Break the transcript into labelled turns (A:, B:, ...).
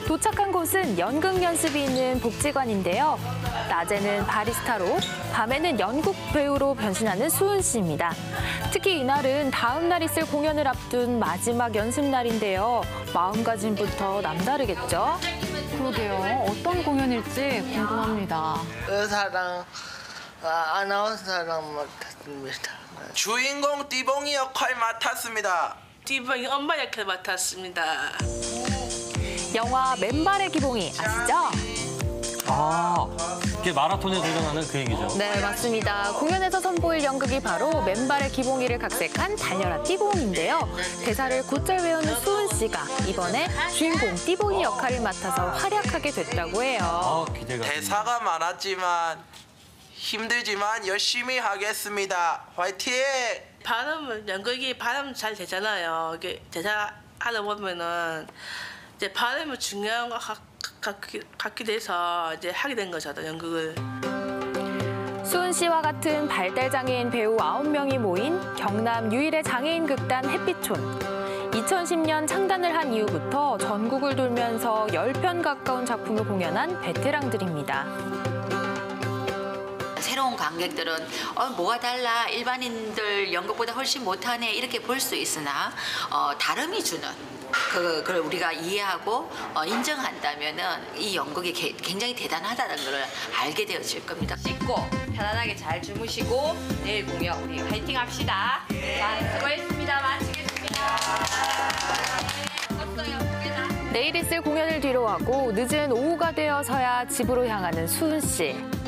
A: 도착한 곳은 연극 연습이 있는 복지관인데요. 낮에는 바리스타로, 밤에는 연극 배우로 변신하는 수은 씨입니다. 특히 이날은 다음 날 있을 공연을 앞둔 마지막 연습 날인데요. 마음가짐부터 남다르겠죠?
B: 그러게요. 어떤 공연일지 궁금합니다.
C: 의사랑 아나운서랑 맡았습니다.
D: 주인공 띠봉이 역할 맡았습니다.
E: 띠봉이 엄마 역할 맡았습니다.
A: 영화 맨발의 기봉이 아시죠?
F: 이게 마라톤에 도전하는 그 얘기죠.
A: 네, 맞습니다. 공연에서 선보일 연극이 바로 맨발의 기봉이를 각색한 달려라 띠봉인데요. 대사를 곧잘 외우는 수은 씨가 이번에 주인공 띠봉이 역할을 맡아서 활약하게 됐다고 해요.
F: 기대가.
D: 대사가 많았지만 힘들지만 열심히 하겠습니다. 화이팅!
E: 연극이 발음 잘 되잖아요. 이게 대사 하다 보면은 이제 발음이 중요한 것 같게 돼서 이제 하게 된 거죠, 연극을.
A: 수은 씨와 같은 발달장애인 배우 9명이 모인 경남 유일의 장애인 극단 햇빛촌. 2010년 창단을 한 이후부터 전국을 돌면서 10편 가까운 작품을 공연한 베테랑들입니다.
G: 새로운 관객들은 뭐가 달라, 일반인들 연극보다 훨씬 못하네 이렇게 볼 수 있으나 다름이 주는 그걸 우리가 이해하고 인정한다면은 이 연극이 굉장히 대단하다는 걸 알게 되어질 겁니다.
H: 씻고 편안하게 잘 주무시고 내일 공연 우리 화이팅 합시다. 자, 수고했습니다. 마치겠습니다.
A: 내일 있을 공연을 뒤로하고 늦은 오후가 되어서야 집으로 향하는 수은 씨.